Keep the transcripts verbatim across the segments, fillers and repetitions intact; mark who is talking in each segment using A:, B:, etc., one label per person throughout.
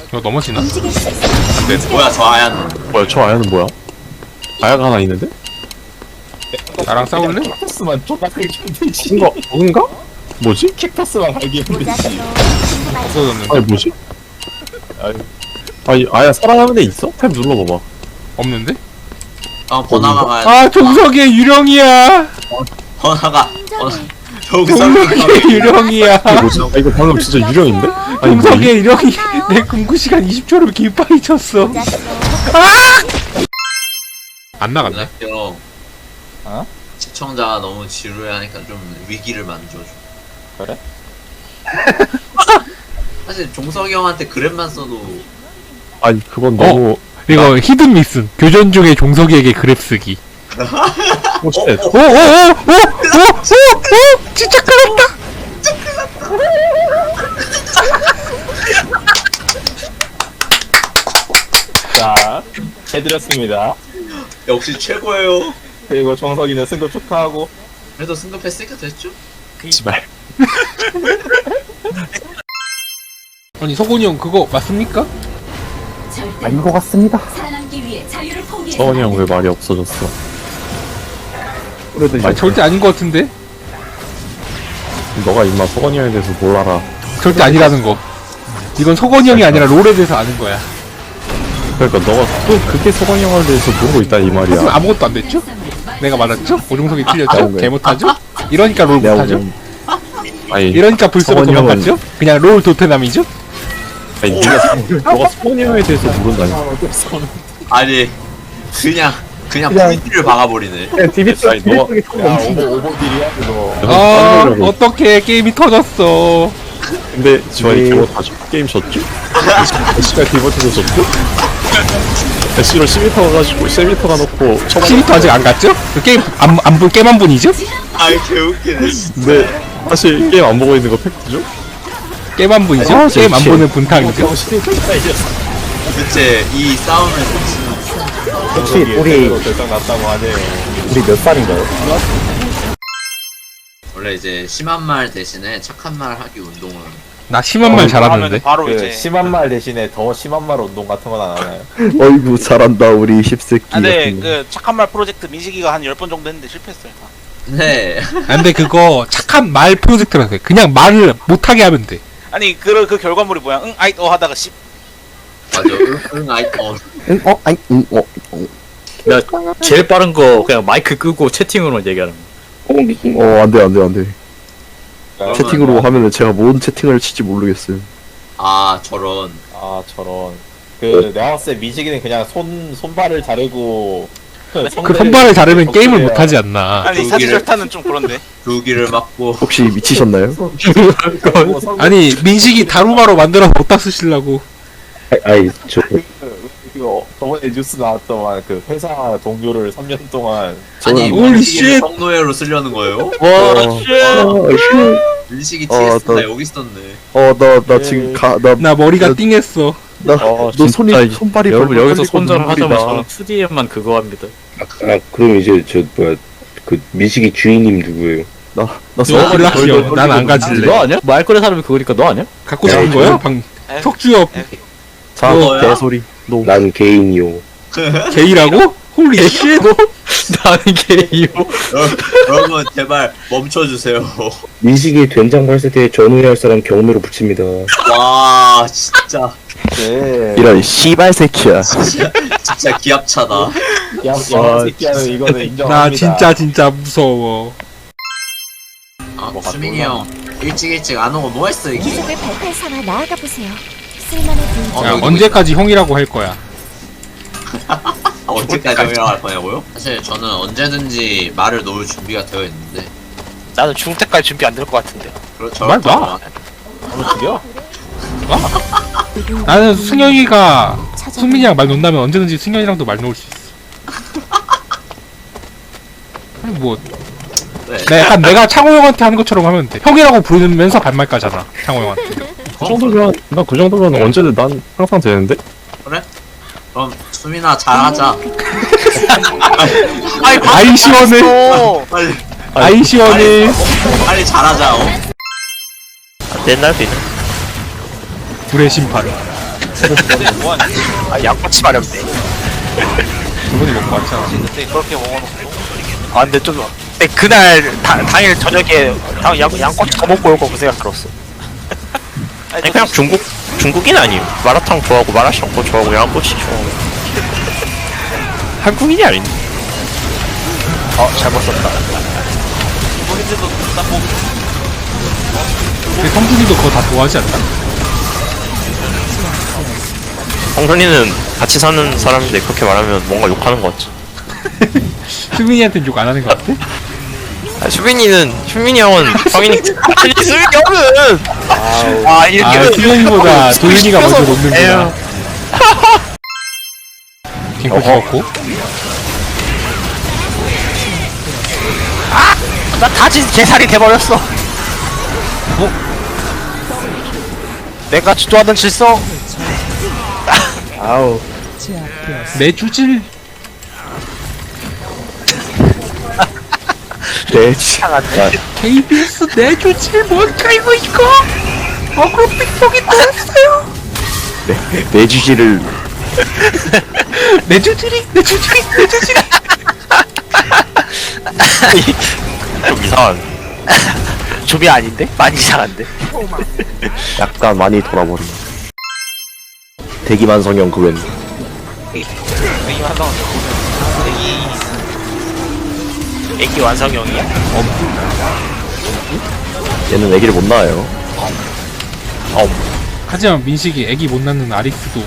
A: 이거 넘어지나?
B: 네, 뭐야 저 하얀.
C: 뭐야 저 아야는 뭐야? 아야가 하나 있는데?
A: 나랑 싸울래?
D: 캡터스만 존나 크게 되지.
C: 이거 뭔가? 뭐지?
D: 캡터스만 갈기면 되지.
A: 없어졌는데.
C: 아니 뭐지?
D: 아유.
C: 아니 아야 살아남은 데 있어? 탭 눌러봐봐.
A: 없는데?
B: 어 번화가 가야 돼.
A: 아 종석의 유령이야.
B: 번화가. 어,
A: 종석의 유령이야.
C: 이거 뭐지? 아, 이거 방금 진짜 유령인데? 아니 뭐
A: 종석의 유령이 내 금구 시간 이십 초를 기빠이 쳤어. 안 나갔네.
B: 형.
D: 어?
B: 시청자가 너무 지루해하니까 좀 위기를 만들어줘.
D: 그래?
B: 사실 종석이 형한테 그랩만 써도
C: 아니 그건 너무
A: 이거 히든 미슨. 교전 중에 종석이에게 그랩 쓰기.
C: 호시됐
A: 오오오오오오오 진짜 끌었다.
D: 자, 해드렸습니다.
B: 역시 최고예요.
D: 그리고 정석이는 승급 축하하고.
B: 그래도 승급했으니까 됐죠?
C: 지발.
A: 아니 서곤이 형 그거 맞습니까?
C: 아닌 것 같습니다.
E: 살아남기 위해 자유를 포기해.
C: 서원이 형 왜 말이 없어졌어? 그래도
A: 아 절대 아닌 것 같은데.
C: 너가 임마 서건이 형에 대해서 뭘 알아?
A: 절대 아니라는 거. 이건 서건이 형이 아니라 롤에 대해서 아는 거야.
C: 그러니까 너가 또 그렇게 서건이 형에 대해서 모르고 있다 이
A: 하지만
C: 말이야.
A: 아무것도 안 됐죠? 내가 맞았죠? 오종석이 틀렸죠?
C: 아우, 왜.
A: 개 못하죠? 이러니까 롤
C: 내가
A: 못하죠?
C: 보기엔- 아니
A: 이러니까 불쏘고
C: 서건이 형은-
A: 도망갔죠? 그냥 롤 도태남이죠?
C: 아니 네가 너가 서건이 형에 대해서 모른다니까.
B: 아니 그냥 그냥
C: 그냥-
B: 포인트를 박아버리네.
C: 티비 아니 너가
D: 야, 오버, 오버딜이야, 그거.
A: 아
C: 어,
A: 어떻게 게임이 터졌어.
C: 근데 저희 저거 다 게임 졌죠? 애쉬가 디버트도 졌고 애쉬로 십미터 가가지고 십미터 가놓고
A: 십미터 아직 안 갔죠? 그 게임 안, 안 본, 게임 한 분이죠?
B: 아이 개웃기네. 진짜.
C: 근데 사실 게임 안 보고 있는 거 팩트죠?
A: 게임 한 분이죠?
C: 아,
A: 게임 안
C: 진짜.
A: 보는 분탕이죠?
B: 도대체 이 싸움을
D: 혹시 우리 결정 났다고 하네.
C: 우리 몇 살인가요?
B: 원래 이제 심한 말 대신에 착한 말 하기 운동을
A: 나 심한 말 잘하는데.
F: 바로
D: 그
F: 이제
D: 심한 말 대신에 더 심한 말 운동 같은 건 안 하나요?
G: 어이구 잘한다 우리 십새끼
F: 아, 근데
G: 같은 거.
F: 그 착한 말 프로젝트 민식이가 한 열 번 정도 했는데 실패했어요.
B: 네.
A: 아, 근데 그거 착한 말 프로젝트라서 해. 그냥 말을 못하게 하면 돼.
F: 아니 그, 그 결과물이 뭐야? 응 아이 어 하다가 씨
B: 맞아. 응, 응 아이 어.
G: 응? 어? 아니 응? 어? 어?
H: 나 제일 빠른 거 그냥 마이크 끄고 채팅으로 얘기하는 거.
G: 어 안돼 안돼 안돼
B: 그러면-
G: 채팅으로 하면은 제가 뭔 채팅을 칠지 모르겠어요.
B: 아 저런.
D: 아, 저런. 그, 내가 봤을 때 민식이는 그냥 손, 손발을 자르고.
A: 그
D: 손대를
A: 선발을 자르면 게임을
D: 덕질해야-
A: 못하지 않나.
F: 아니
B: 저기를-
F: 사실 절타는 좀 그런데
B: 두기를 맞고.
G: 혹시 미치셨나요?
D: 뭐 선-
A: 아니 민식이 다루마로 만들어서 어디다 쓰시려고.
G: 아이 저
D: 이거 저번에 뉴스 나왔더만 그 회사 동료를 삼 년 동안
B: 아니
A: 홀리
B: 민식이를
A: 쉣.
B: 성노예로 쓰려는 거예요?
H: 와,
G: 어,
H: 쉣!
G: 어, 휴.
B: 민식이
G: 어,
B: 티에스 나
G: 또-
B: 여기 있었네.
G: 어, 나, 나
D: 네.
G: 지금 가, 나,
A: 나 머리가
G: 나-
A: 띵했어.
G: 나,
D: 어,
G: 너 손이,
H: 진짜
G: 손발이
H: 여러분
G: 벌벌
H: 여기서
G: 떨리고
H: 손절
G: 눈물이
H: 하자면
G: 나.
H: 저는 투디엠만 그거 합니다.
I: 아 그럼 이제 저 뭐야 그 미식이 주인님 누구예요?
G: 나, 나
A: 너 연락이요. 난 안 가질래.
H: 너 아니야? 말 거는 사람이 그거니까 너 아니야?
A: 갖고 싶은 거야? 방 석주엽
G: 자,
B: 뭐야?
G: 개소리. 노.
I: 난 개인이요.
A: 게이라고? 홀리 쉣.
H: 나는 게이요.
B: 여러분 제발 멈춰주세요.
I: 미식이 된장 발세대에 전후회할 사람 경매로 붙입니다.
B: 와 진짜
D: 네.
G: 이런 씨발 새끼야.
B: 진짜, 진짜 기합차다.
D: 야, 야, 새끼야는 이거는
A: 나
D: 인정합니다.
A: 진짜 진짜 무서워.
B: 아,
D: 뭐가
B: 수민이
D: 놀라나?
B: 형 일찍 일찍 안 오고 뭐 했어 이게?
E: 이속을 발판 삼아 나아가 보세요. 쓸만한 분.
B: 어,
A: 야
B: 여기
A: 언제까지 형이라고 할 거야?
B: 아, 언제까지 형이라고 할 거냐고요? 사실 저는 언제든지 말을 놓을 준비가 되어 있는데
F: 나는 죽을 때까지 준비 안 될 것 같은데.
B: 그렇죠.
A: 말 놔.
D: 바로 죽여?
A: 나는 승현이가 승민이랑 말 논다면 언제든지 승현이랑도 말 놓을 수 있어. 아니 뭐
B: 네.
A: 내 약간 내가 창호 형한테 하는 것처럼 하면 돼. 형이라고 부르면서 반말까잖아. 창호 형한테.
C: 그 정도면 나 그 정도면 언제든 난 항상 되는데?
B: 그럼 수민아 잘하자.
F: 아이
A: 아이 시원해.
F: 어.
B: 빨리
A: 아이 시원해.
B: 빨리 잘하자. 어?
H: 옛날 비
A: 불의 심판.
F: 근데 뭐하냐?
H: 아 양꼬치 마렵네.
A: 저번에 먹고 왔잖아.
F: 근데 그렇게 먹어놓고
H: 아 근데 좀 근데 그날 다, 당일 저녁에 당, 양, 양꼬치 더 먹고 올 거 그 생각 들었어.
F: 아니,
H: 아니 그냥 중국 중국인 아니에요. 마라탕 좋아하고 마라샹궈 좋아하고 양꼬치 좋아하고 한국인이 아닌데. 어 잘못 썼다.
F: 우리들도 딱 먹고
A: 근데 성준이도 그거 다 좋아하지 않나?
H: 홍준이는 같이 사는 사람인데 그렇게 말하면 뭔가 욕하는 것 같지.
A: 수민이한테는 욕 안 하는 것 같아?
H: 아, 수빈이는 수빈이 형은 성인이 아니 수빈이 형은 아 이렇게
A: 아, 수민이보다 도윤이가 먼저 놓는구나.
H: 에휴.
A: 갱코 죽었고.
H: 나 다진 개살이 돼버렸어. 어? 내가 주도하는 질서.
G: 아우.
A: 내 주질.
G: 네.
H: 이상한데.
A: 케이비에스 내 주질 뭘까 이거 이거? 어그로 삑복이 나왔어요.
G: 내 주지를
A: 내 주질이 내 주질이 내 주질이.
H: 좀 이상한. 좀이 아닌데? 많이 이상한데?
G: 약간 많이 돌아버린. 대기만성형 그웬.
F: 애기 한다고 애기
H: 애기 완성형이야?
G: 얘는 애기를 못 낳아요.
A: 하지만 민식이 애기 못 낳는 아릭스도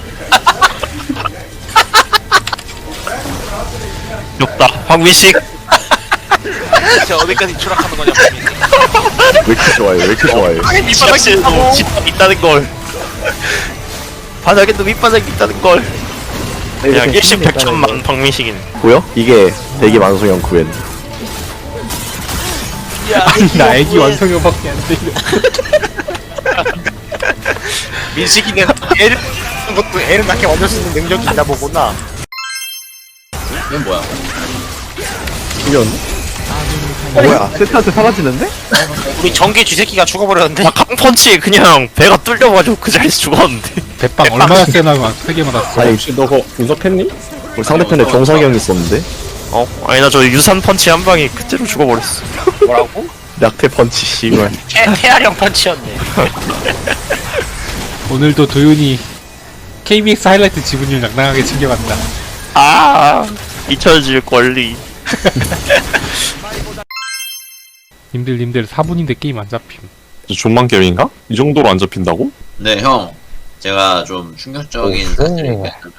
H: 욕다. 황민식.
F: 진짜 어디까지 추락하는 거냐 고민이.
G: 왜 이렇게 좋아요? 왜 이렇게 좋아요?
H: 밑바닥에도 집밥 있다는 걸. 바닥에도 밑바닥이 있다는 걸. 그냥 일심백천만 박민식이네.
G: 보여? 이게 대기만성형 그웬.
A: 아니 나 애기 완성형밖에 안 돼.
H: 민식이는 애를 낳는 것도 애를 낳게 만들 수 있는 능력이 있나 보구나.
B: 이건 뭐야?
G: 이런. 뭐야? 세트한테 사라지는데?
H: 우리 전기 쥐새끼가 죽어버렸는데? 나 강펀치에 그냥 배가 뚫려가지고 그 자리에서 죽었는데.
A: 대빵 얼마나 세나 세게 맞았어.
G: 아니,
C: 혹시 너 그거 분석했니?
G: 우리 상대편에 종석이 형이 있었는데?
H: 어? 아니 나 저 유산 펀치 한 방에 그대로 죽어버렸어. 뭐라고?
G: 약태 펀치, 씨발.
H: 태, 태아령 펀치였네.
A: 오늘도 도윤이 케이비엑스 하이라이트 지분율 낭낭하게 챙겨간다.
H: 아 잊혀질 권리.
A: 님들 님들 사 분인데 게임 안 잡힘.
C: 존만 게임인가? 이 정도로 안 잡힌다고?
B: 네, 형. 제가 좀 충격적인 사실을 얘기하자면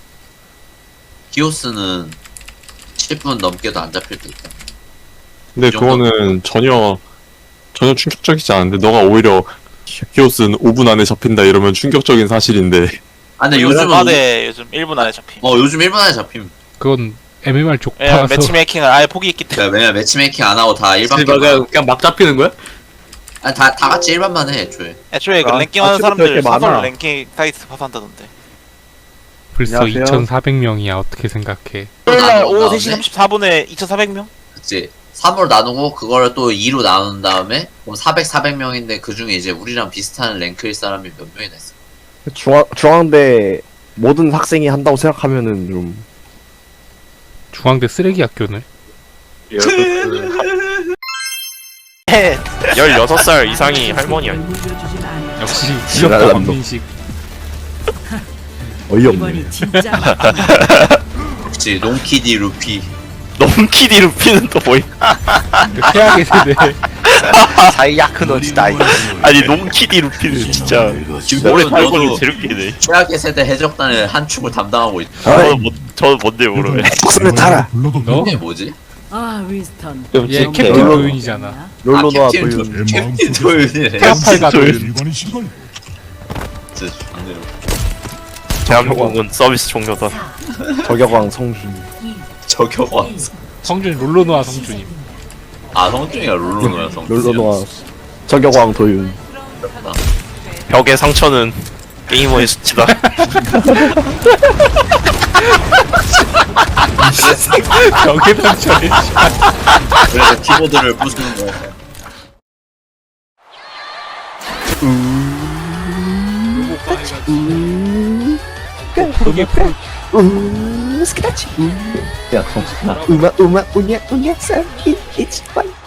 B: 히오스는 칠 분 넘게도 안 잡힐 때 있다.
C: 근데
B: 이 정도?
C: 그거는 전혀 전혀 충격적이지 않은데 너가 오히려 히오스는 오 분 안에 잡힌다 이러면 충격적인 사실인데
B: 아, 근데
F: 요즘
B: 요즘은
F: 안에 요즘 일 분 안에 잡힘.
B: 어, 요즘 일 분 안에 잡힘.
A: 그건 엠엠알
F: 왜냐면
A: 족파서
F: 매치메이킹을 아예 포기했기 때문에.
B: 그러니까 왜냐면 매치메이킹 안 하고 다 일반
H: 그냥,
B: 게임.
H: 그냥 막 잡히는 거야?
B: 아니, 다, 다 같이 일반만 해, 애초에.
F: 애초에 그
G: 아,
F: 랭킹 하는
G: 아침부터
F: 사람들
G: 이렇게 많아.
F: 사설 랭킹 사이트 파산다던데.
A: 벌써
G: 안녕하세요.
A: 이천사백 명이야. 어떻게 생각해?
F: 토요일날 오후
B: 나눈
F: 세 시
B: 다음에?
F: 삼십사 분에 이천사백 명?
B: 그치. 삼으로 나누고 그거를 또 이로 나눈 다음에 그럼 사백, 사백 명인데 그 중에 이제 우리랑 비슷한 랭크일 사람이 몇 명이나 있어.
G: 중앙, 중앙대 모든 학생이 한다고 생각하면은 좀.
A: 중앙대 쓰레기 학교네.
H: 열여섯 살 이상이 할머니 아니야?
A: 역시
G: 지랄난
A: 귀엽다
G: 놈.
A: 박민식.
G: 어이없네.
B: 그치. 농키디 루피.
H: 넘키디 루피는 또 뭐야?
A: 그 최악의 세대.
H: 사이야크 너지다. 아니 nom키디 루피는 진짜 오래
B: 김병준
H: 살고
B: 너도
H: 제르기네.
B: 최악의 세대 해적단의 한 축을 담당하고 있다.
H: 저는 뭐 저는 뭔데 모르네.
G: 목숨을 타라.
A: 너?
B: 이게 뭐지?
J: 아, 윈스턴.
A: 얘 캡틴
G: 롤러-
A: 도윤이잖아.
G: 롤로노아
B: 아, 캡틴
G: 도윤.
B: 도- 캡틴 도윤이네.
A: 태아팔과 도윤.
B: 진짜 좋네요.
H: 대한민국은 서비스 종료다.
G: 저격왕 성준.
B: 저격왕.
A: 성준 롤로노아 성준임.
B: 아, 성준이가 룰루노야, 성준.
G: 롤로노아. 저격왕 도윤.
H: 벽의 상처는 게이머의 수치다.
A: 벽에 상처네.
B: 그래서 키보드를 부수는 거야.
G: 스키다치 우 우마 우 스키다치 우 야, 정신아. 우마 우마 우냐 우냐 산 이 이치 원